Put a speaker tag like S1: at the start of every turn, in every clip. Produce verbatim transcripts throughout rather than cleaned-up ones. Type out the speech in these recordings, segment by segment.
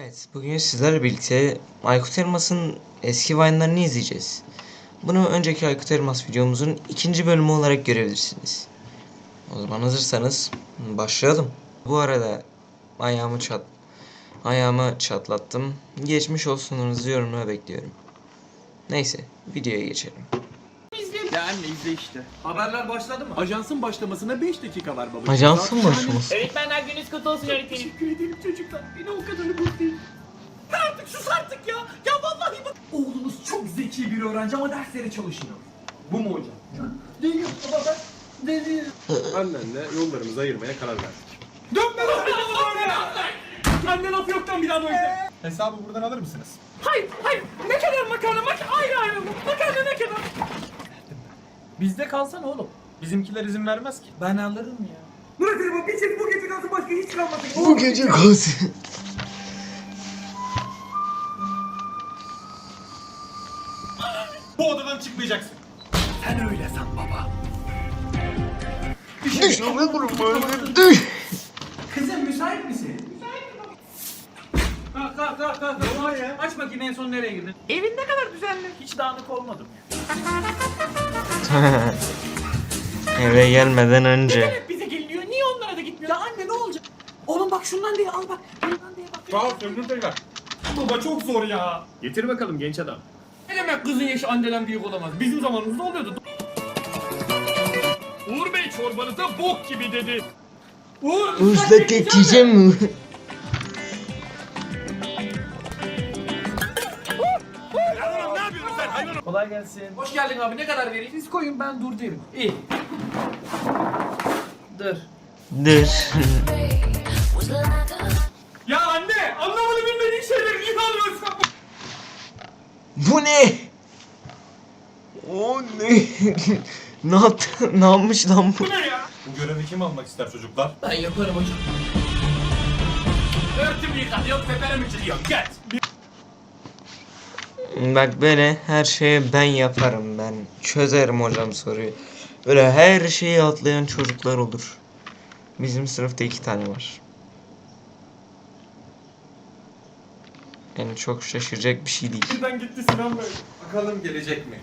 S1: Evet, bugün sizlerle birlikte Aykut Elmas'ın eski Vine'larını izleyeceğiz. Bunu önceki Aykut Elmas videomuzun ikinci bölümü olarak görebilirsiniz. O zaman hazırsanız başlayalım. Bu arada ayağımı çat ayağımı çatlattım. Geçmiş olsununuzu yorumlara bekliyorum. Neyse, videoya geçelim.
S2: Ya anne izle işte. Haberler başladı mı? Ajansın başlamasına beş dakika var babacığım.
S1: Ajansın başlaması.
S3: Öğretmenler gününüz kutlu olsun öğretmenim.
S2: Teşekkür ederim çocuklar. Beni o kadar mutlu edin. Artık sus artık ya. Ya vallahi bak. Oğlunuz çok zeki bir öğrenci ama derslere çalışıyor. Bu mu hocam? Değil baba. Değil.
S4: Annenle yollarımızı ayırmaya karar verdik.
S2: Dönme lan beni ya. Anne laf yoktan bir daha böyle.
S4: Hesabı buradan alır mısınız?
S2: Hayır hayır. Ne kadar makarna mak ayrı ayrı. Makarna ne kadar? Bizde kalsana oğlum.
S4: Bizimkiler izin vermez ki.
S2: Ben alırım ya. Murat Ali bir çek bu gece kalsın başka hiç kalmasın.
S1: Bu gece kalsın.
S4: Bu odadan çıkmayacaksın.
S2: Sen öyle san baba.
S1: Düş lan bunu düş.
S2: Kızım müsait misin? Kalk kalk kalk kalk. Aç, ya. Aç bakayım en son nereye girdin? Evin ne kadar düzenli. Hiç dağınık olmadım ya.
S1: Eve gelmeden önce.
S2: Hep bize geliniyor. Niye onlara da gitmiyor? Ya anne ne olacak? Oğlum bak şundan diye al bak. Şundan diye bak.
S4: Sağ ol Sömrün tekrar. Baba çok zor ya. Getir bakalım genç adam.
S2: Ne demek kızın yaşı anneden büyük olamaz? Bizim zamanımızda oluyordu.
S4: Uğur Bey çorbanıza bok gibi dedi.
S2: Uğur
S1: Islak et yiyeceğim mi?
S4: Ne yapıyorsun sen hayvan?
S2: Kolay gelsin. Hoş geldin abi. Ne kadar vereyim? Siz koyun ben dur derim. İyi. Dur.
S1: Dur.
S2: Ya anne! Anlamadı bilmediğin şeyleri niye alıyorsun?
S1: Bu ne? O ne? Ne yaptı? Ne yapmış lan bu?
S2: Bu ne ya?
S4: Bu görevi kim almak ister çocuklar?
S2: Ben yaparım hocam. Örtüm yıkat yok tepene mi çiziyor? Get!
S1: Bak böyle her şeyi ben yaparım ben. Çözerim hocam soruyu. Böyle her şeyi atlayan çocuklar olur. Bizim sınıfta iki tane var. Yani çok şaşıracak bir şey değil.
S4: Birden gitti Sinan Bey. Bakalım gelecek mi?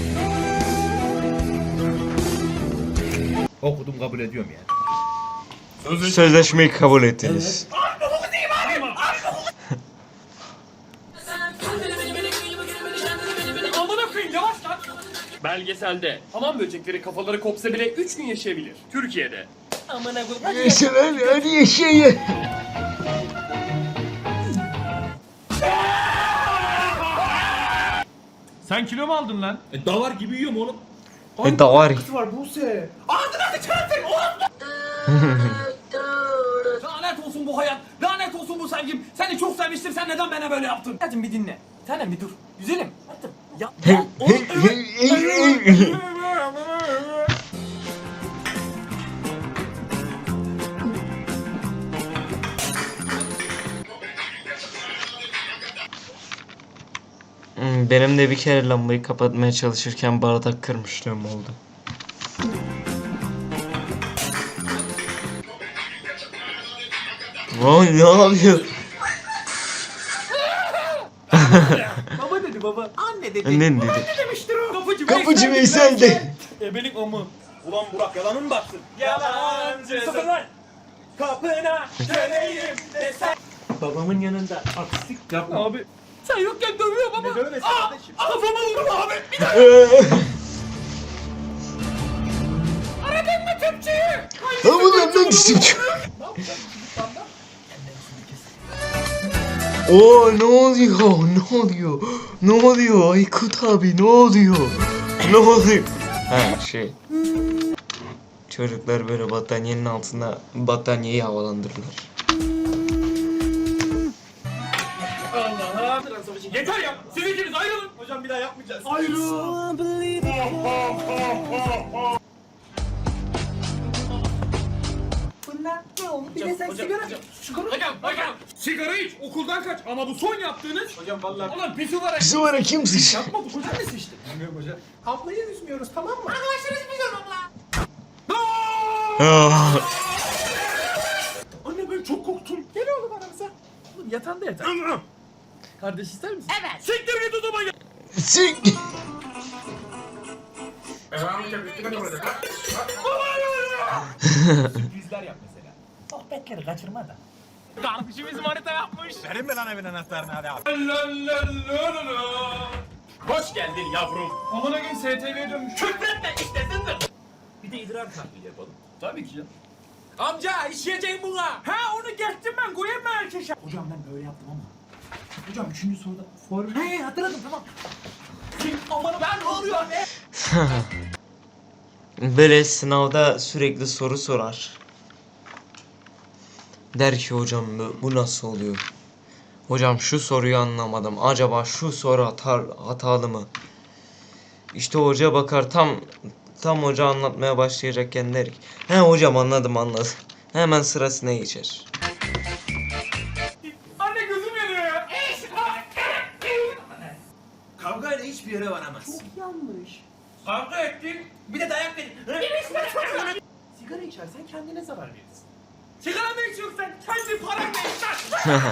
S5: Okudum kabul ediyorum yani.
S4: Sözleşme.
S1: Sözleşmeyi kabul ettiniz.
S2: Amına koyayım yavaş lan! Belgeselde hamam böcekleri kafaları kopsa bile üç gün yaşayabilir. Türkiye'de. Amına koyayım.
S1: Yaşa lan hadi yaşayın.
S2: Sen kilo mu aldın lan?
S5: E, davar gibi yiyorum oğlum.
S1: E davar.
S2: Var Buse. Ağzına sıçartın oğlum! Lanet olsun bu hayat. Lanet olsun bu sevgim. Seni çok sevmiştim. Sen neden bana böyle yaptın? Hadi bir dinle. Sen bir dur. Güzelim. Hadi. Ya. ya oğlum, evet.
S1: Hmm, Benim de bir kere lambayı kapatmaya çalışırken bardak kırmışlığım oldu. Vay ne oluyor?
S2: Baba dedi baba. Anne dedi.
S1: Annen dedi.
S2: Ne demiştir o? Kapıcı,
S1: Kapıcı Veysel de.
S2: Ebelik amı.
S4: Ulan Burak yalanın mı baksın?
S2: Yalancı. Sakın lan. Kapına geleyim desen. Babamın yanında artistik yapma. Abi. Sen yokken dövüyor baba.
S4: Ne dövmesi
S2: Aa,
S4: kardeşim?
S2: kafama vurma abi. Bir daha. Aradın mı tüpçüyü?
S1: Ha bu lan lan düştüm. Oo ne oluyor? Ne oluyor? Ne oluyor? Aykut abi ne oluyor? Ne oluyor? Ha şey. Çocuklar böyle battaniyenin altında battaniyeyi havalandırırlar.
S2: Allah. Yeter ya. Siz ikiniz ayrılın.
S4: Hocam bir daha yapmayacağız.
S2: Ayrıl. Bunlar ne oldu? Bir de sen sigara iç. Sigara Hocam, hocam. Sigara iç. Okuldan kaç. Ama bu son yaptığınız.
S4: Hocam vallahi.
S2: Ulan pisi var.
S1: Bizim ara kim sıç?
S2: Yapma bu hocam ne sıçtı?
S4: Bilmiyorum hocam.
S2: Ablayı üzmüyoruz tamam mı? Arkadaşlar üzmüyorum abla.
S1: Ah.
S2: Anne ben çok korktum. Gel oğlum aramıza. Oğlum yatağında yatar. Kardeş ister misin?
S3: Evet.
S2: Siktir git odama gel.
S1: Sik.
S2: Sürprizler yap mesela. Sohbetleri kaçırma da.
S3: Kardeşimiz manita yapmış.
S4: Verin mi lan evin anahtarını hadi abi.
S2: Hoş geldin yavrum.
S4: Amına gün S T V'ye dönmüş.
S2: Küfretme işte zındır.
S5: Bir de idrar tahlili yapalım.
S2: Tabii ki canım. Amca işleyeceğim buna. Ha onu geçtim ben koyayım mı erkeşe? Hocam ben böyle yaptım ama. Hocam üçüncü soruda form... He hatırladım tamam. Aman ben ne oluyor be?
S1: Böyle sınavda sürekli soru sorar. Der ki hocam bu- bu nasıl oluyor? Hocam şu soruyu anlamadım. Acaba şu soru hatar, hatalı mı? İşte hoca bakar tam tam hoca anlatmaya başlayacakken der ki he hocam anladım anladım. Hemen sırasına geçer.
S2: Anne gözüm yanıyor ya.
S5: Kavgayla hiçbir yere varamaz.
S2: Çok yanlış.
S5: Kavga ettin, bir de dayak verin.
S2: Sigara içersen kendine zarar verirsin. Sigara mı içiyorsun sen? Kendi paranla iç lan.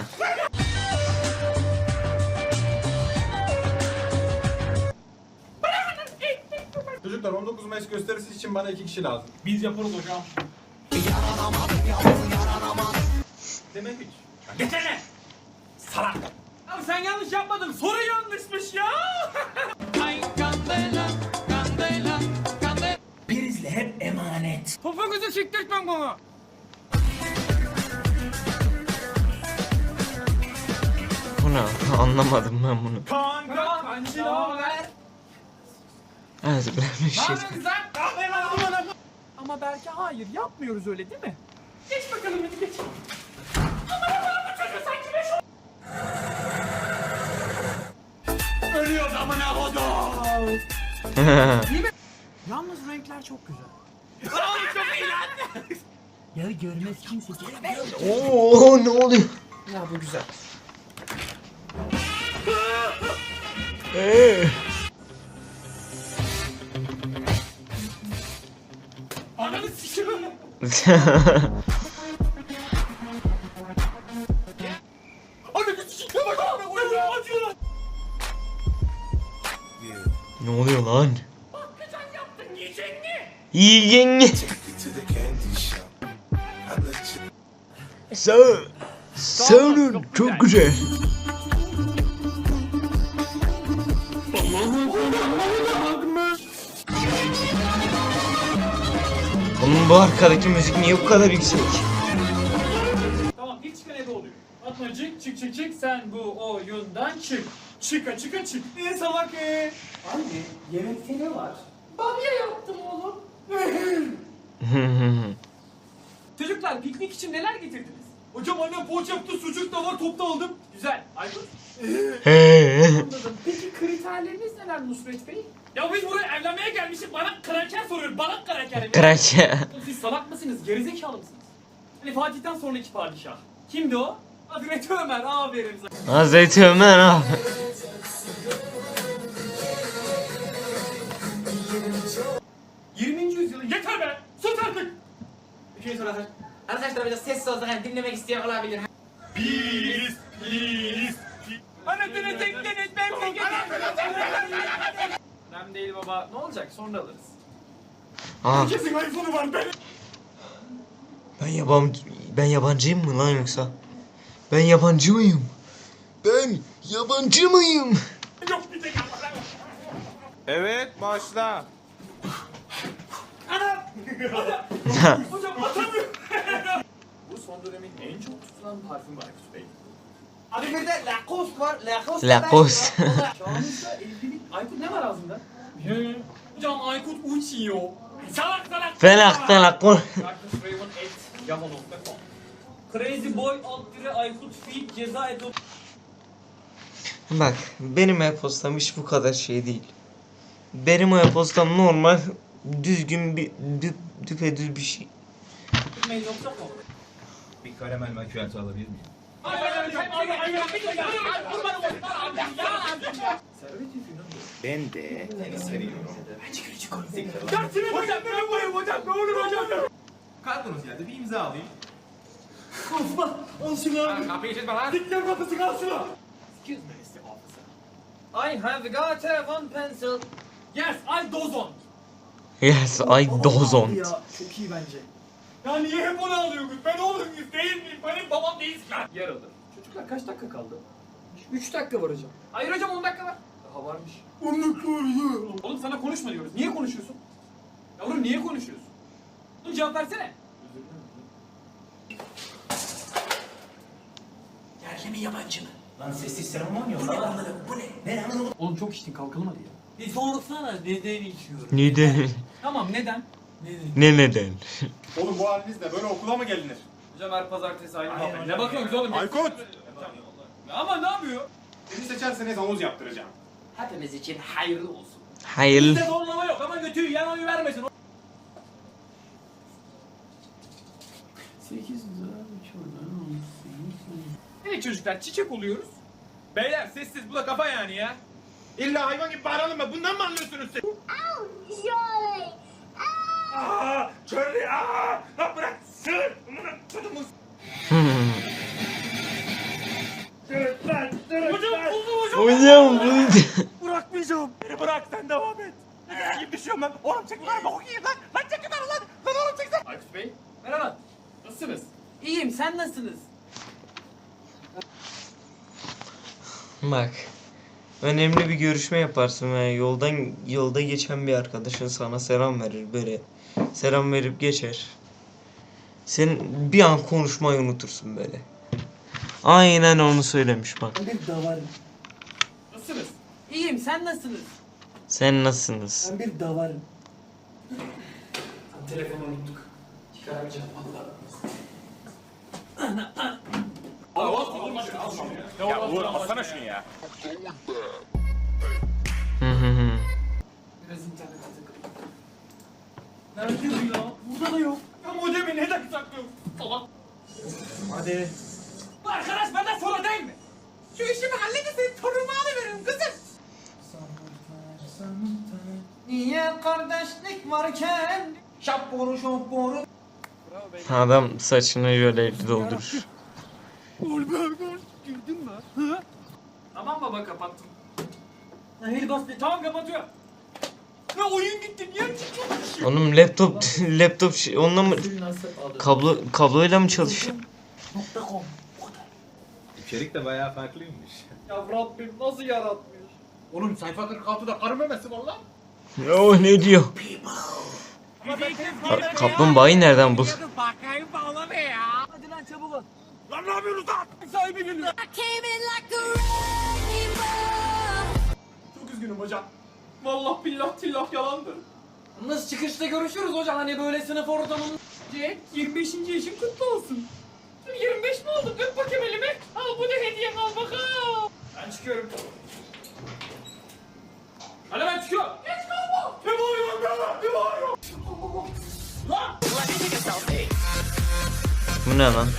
S4: Çocuklar on dokuz Mayıs gösterisi için bana iki kişi lazım.
S2: Biz yaparız hocam.
S4: Demek hiç.
S2: Geçene. Salak. Abi sen yanlış yapmadın. Soru yanlışmış ya.
S5: Prizle hep emanet.
S2: Topuğunuzu siktirtmem bana.
S1: Bu ne? Anlamadım ben bunu.
S2: Kanka kancı haber?
S1: Evet böyle bir şey.
S2: Ama belki hayır yapmıyoruz öyle değil mi? Geç bakalım hadi geç. Ölüyor amına kodum. Yalnız renkler çok güzel. Oğlum çok iyi lan. Ya görmez kimse.
S1: Oo ne oluyor?
S2: Ya bu güzel.
S1: Ee.
S2: Ananı sikiyorum. Ananı sikiyorum. Acıyor lan.
S1: Ne oluyor lan?
S2: Bakkacan yaptın yiyecek mi?
S1: Yiyenge. Sağ Sağ olun çok güzel. Onun bu arkadaki müzik niye bu kadar yüksek?
S2: Tamam ilk çıkan ebe oluyor. Atmacık çık çık çık sen bu oyundan çık. Çıka çıka çık. Ne salak e? Anne yemekte ne var? Bamya yaptım oğlum. Çocuklar piknik için neler getirdiniz? Hocam annem poğaça yaptı, sucuk da var, top da aldım. Güzel. Aykut? Anladım. Peki kriterleriniz neler Nusret Bey? Ya biz buraya evlenmeye gelmişiz. Bana kraker soruyor. Bana kraker mi?
S1: Kraker.
S2: Siz salak mısınız? Gerizekalı mısınız? Hani Fatih'ten sonraki padişah. Kimdi o? Hazreti Ömer. Aferin sana.
S1: Hazreti Ömer abi.
S2: yirminci yüzyılın yeter be! Sus artık!
S6: İkinci soru arkadaşlar. Arkadaşlar biraz sessiz olsak hani dinlemek isteyen olabilir.
S2: Biz, biz, Anasını tekleniz ben Önemli değil baba. Ne olacak? Sonra alırız.
S1: Aa,
S2: Kesin iPhone'u var benim.
S1: ben yabancı ben yabancıyım mı lan yoksa? Ben yabancı mıyım? Ben yabancı mıyım?
S2: Yok bir tek
S4: Evet başla.
S2: Anam! Hocam atamıyorum. Bu son dönemin en çok tutulan parfümü Aykut Bey.
S6: Abi bir de Lacoste var. Lacoste.
S1: Lacoste.
S2: Çağımızda evlilik... Aykut ne var ağzında? Hocam Aykut uçuyor. Salak salak.
S1: Felak felak kol.
S2: Aykut Raven et yahoo nokta com. Crazy boy alt dire Aykut feed ceza et.
S1: Bak benim e-postam hiç bu kadar şey değil. Benim o e-postam normal düzgün bir düp, düpedüz bir şey.
S2: mail nokta com.
S5: Bir karamel macchiato alabilir miyim? Ben de seviyorum.
S2: Dersini hocam ben buyum hocam ne olur hocam.
S4: Kartınız geldi bir imza alayım.
S2: Osman, al şunu abi.
S3: Kapıyı çizme lan.
S2: Dikler kapısını al şunu. Excuse me, mister Officer. I have got a one pencil. Yes, I dozon.
S1: Yes, I dozon.
S2: Ya, çok iyi bence. Ya niye hep onu alıyorsunuz? Ben oğlum muyuz değil miyim? Benim babam değilsin lan. Yarıldı. Çocuklar kaç dakika kaldı? Üç dakika var hocam. Hayır hocam on dakika var. Daha varmış. on dakika var ya. Oğlum sana konuşma diyoruz. Niye konuşuyorsun? Yavrum niye konuşuyorsun? Oğlum cevap versene.
S5: Yerli mi yabancı mı? Lan sessiz seremon yok. Bu ne lan? Bu ne? Ne lan?
S2: Oğlum çok içtin kalkalım hadi ya. Bir sorsana neden içiyorum?
S1: Neden?
S2: Tamam neden? Neden?
S1: Ne neden?
S4: Oğlum bu halinizle böyle okula mı gelinir?
S2: Hocam her pazartesi aynı
S5: Hayır,
S2: muhabbet.
S5: hocam
S2: Ne bakıyorsunuz oğlum?
S4: Aykut!
S2: Ama ne yapıyor?
S4: Beni seçerseniz havuz yaptıracağım.
S2: Hepimiz için hayırlı olsun.
S1: Hayır.
S2: Bizde zorlama yok ama götüyü yan oyu vermesin. sekiz Evet çocuklar çiçek oluyoruz.
S3: Beyler sessiz bu da kafa yani ya. İlla hayvan gibi bağıralım mı? Bundan mı anlıyorsunuz siz?
S7: Surely.
S3: Aaa! Charlie! Aaa! Lan bırak! Sığır! Amına kodumun! Lan!
S2: Hocam buldum hocam.
S1: Hocam bu...
S3: Bırakmayacağım! Beni bırak sen devam et! Ne gibi düşüyorum ben? Oğlum çekin lan! Bok yiyeyim lan! Lan çekin lan lan! Lan oğlum çekin!
S2: Aykut Bey. Merhaba. Nasılsınız? İyiyim sen nasılsınız?
S1: Bak. Önemli bir görüşme yaparsın ve yoldan yolda geçen bir arkadaşın sana selam verir böyle. Selam verip geçer. Sen bir an konuşmayı unutursun böyle. Aynen onu söylemiş bak.
S2: Bir davarım. Nasılsınız? İyiyim sen nasılsınız?
S1: Sen nasılsınız?
S2: Ben bir davarım. Telefonu unuttuk. Çıkaramayacağım valla.
S3: Ya Uğur alsana şunu ya.
S1: Hı hı hı.
S2: Biraz internete takılayım. Nerede bu ya? Burada da yok. Ya modemi neden saklıyorsun? Salak.
S4: Hadi.
S2: Bu arkadaş benden sonra değil mi? Şu işimi halledin senin torunumu alıveririm kızım. Niye kardeşlik varken? Şapboru şapboru.
S1: Adam saçını jöleyle doldurur.
S2: Tamam baba kapattım. Hayır bas be tamam kapatıyorum. Ne oyun gitti niye çıkıyorsun?
S1: Oğlum laptop laptop şey- onunla mı
S2: Nasıl alır?
S1: kablo kabloyla mı çalışıyor?
S2: Nokta com.
S5: İçerik de bayağı farklıymış.
S2: Ya Rabbim nasıl yaratmış?
S3: Oğlum sayfa kırk altıda karı memesi var lan.
S1: O ne diyor? Ka- Kaplumbağayı nereden bul?
S3: Bakayım bağlama ya.
S2: Hadi lan çabuk ol.
S3: Lan ne yapıyorsunuz lan?
S2: Sahibi geliyor.
S7: I came in like a wrecking ball.
S2: Çok üzgünüm hocam. Vallahi billah tillah yalandır. Nasıl çıkışta görüşürüz hocam hani böyle sınıf ortamında. Jack yirmi beşinci yaşın kutlu olsun. yirmi beş mi oldun? Öp bakayım elimi. Al bu da hediye al bakalım. Ben çıkıyorum. Hadi ben çıkıyorum. Geç kalma. Ne bağırıyorsun be? Ne bağırıyorsun? Lan!
S1: Bu ne lan?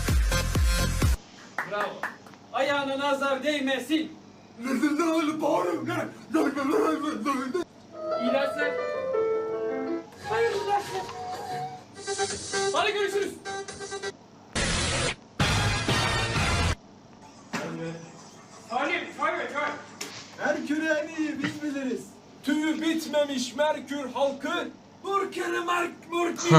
S2: Bravo. Ayağına nazar değmesin. İyi dersler. Hayırlı dersler. Hadi görüşürüz. Salim, çay ver, çay. Merkür en iyi biz biliriz. Tüyü bitmemiş Merkür halkı. Murkeri Merk, Murkeri.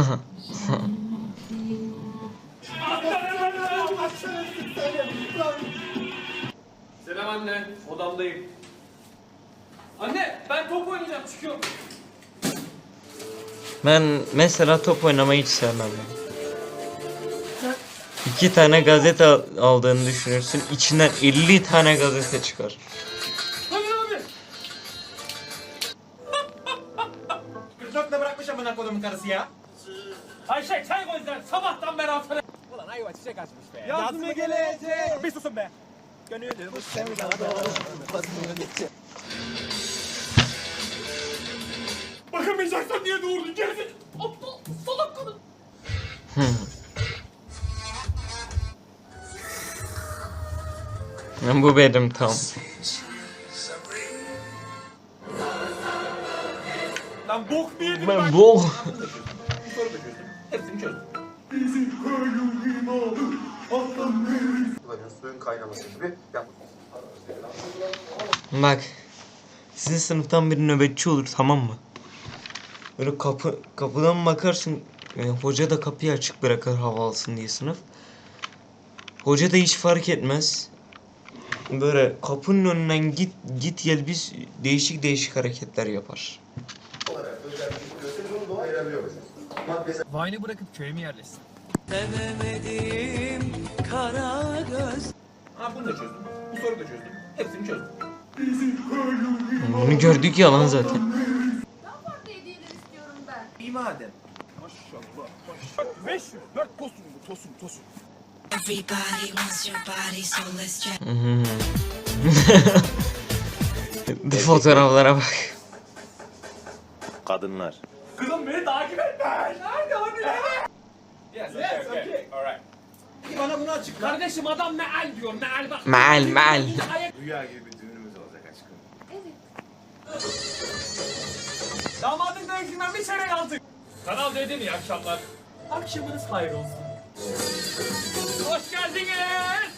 S2: Selam anne, odamdayım. Anne, ben top oynayacağım, çıkıyorum.
S1: Ben mesela top oynamayı hiç sevmem. İki tane gazete al- aldığını düşünürsün. İçinden elli tane gazete çıkar.
S2: Hadi abi.
S3: kırk dörtte bırakmış amına kodumun karısı ya.
S2: Ayşe çay koy sen, sabahtan beri altına.
S3: Ulan ayva çiçek açmış be.
S2: Yaz mı gelecek?
S3: Bir susun be. Gönüllü bu sevdada.
S2: Bakamayacaksan niye doğurdun gerizekalı? Aptal, salak kadın.
S1: Bu benim tam.
S3: Lan bok mu yedin
S1: Ben bu
S3: Hepsini çözdüm.
S8: kullanıyoruz. Suyun kaynaması gibi. Yani
S1: Bak. Sizin sınıftan biri nöbetçi olur, tamam mı? Böyle kapı kapıdan bakarsın, e, hoca da kapıyı açık bırakır hava alsın diye sınıf. Hoca da hiç fark etmez. Böyle kapının önünden git git gel biz değişik değişik hareketler yapar.
S8: olarak özellikle bunu da ayırabiliyoruz. Maddesel
S2: Vine'ı bırakıp köye mi yerleşsin?
S5: Ha bunu da çözdüm. Bu soruyu da çözdüm. Hepsini çözdüm.
S1: Bunu gördük ya lan zaten.
S7: Daha farklı hediyeler istiyorum ben.
S5: İyi madem.
S3: beş yüz dört tosun bu tosun tosun.
S7: Everybody wants your body, so let's check.
S1: Bu fotoğraflara bak.
S3: Kadınlar.
S2: Kızım beni takip etme. Nerede hadi?
S3: Yes, okay, okay. Alright.
S5: Bana bunu açıkla.
S2: Kardeşim adam meal diyor. Meal bak.
S1: Meal, meal.
S3: Rüya gibi bir düğünümüz olacak aşkım.
S2: Damadın dövüşünden bir çeyrek aldık. Kanal D'de mi iyi akşamlar? Akşamınız hayır olsun. Hoş geldiniz.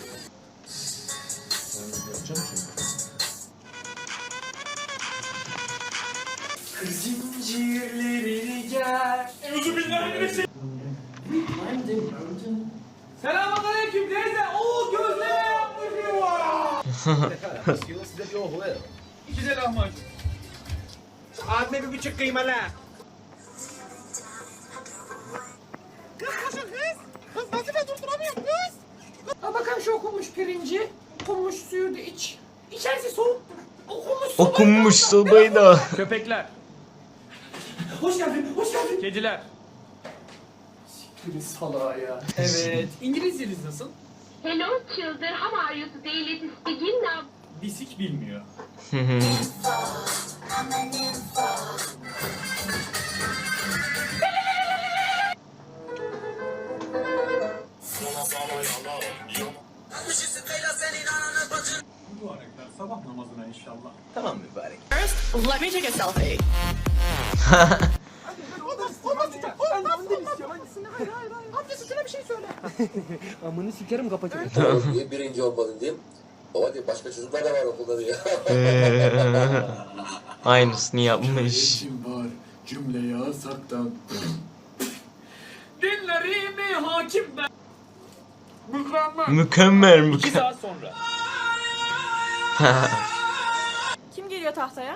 S2: Zincirlerini gel. Euzubillahimineşşeytanirracim. Selamünaleyküm teyze. Oo gözleme yapmış.
S5: Size bir oğlu ver.
S2: Güzel lahmacun.
S5: Abime bir buçuk kıymalı.
S2: Ha bakalım şu okunmuş pirinci. Okunmuş suyu da iç. İçerisi soğuktur. Okunmuş sobayı da-
S1: Okunmuş sobayı da.
S2: Köpekler. Hoş geldin, hoş geldin. Kediler. Siktirin salağa ya. Evet. İngilizceniz nasıl?
S9: Hello children, how are you today? Let's begin now.
S2: Bisik bilmiyor.
S5: Tamam mübarek.
S9: Let me take a selfie.
S8: niye birinci olmadın diyeyim. Baba diye başka çocuklar da var okulda diyor.
S1: Aynısını yapmış.
S4: var cümle yasaktan.
S2: Dinlerimi hakim ben. Mükemmel.
S1: Mükemmel
S2: İki
S1: mükemmel.
S2: saat sonra.
S9: Kim geliyor tahtaya?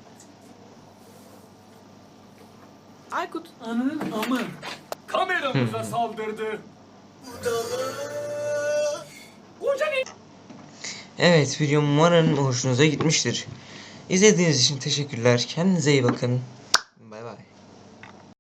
S9: Aykut.
S2: Anın amı. Kameramıza saldırdı. Koca ne?
S1: Evet, videom umarım hoşunuza gitmiştir. İzlediğiniz için teşekkürler. Kendinize iyi bakın.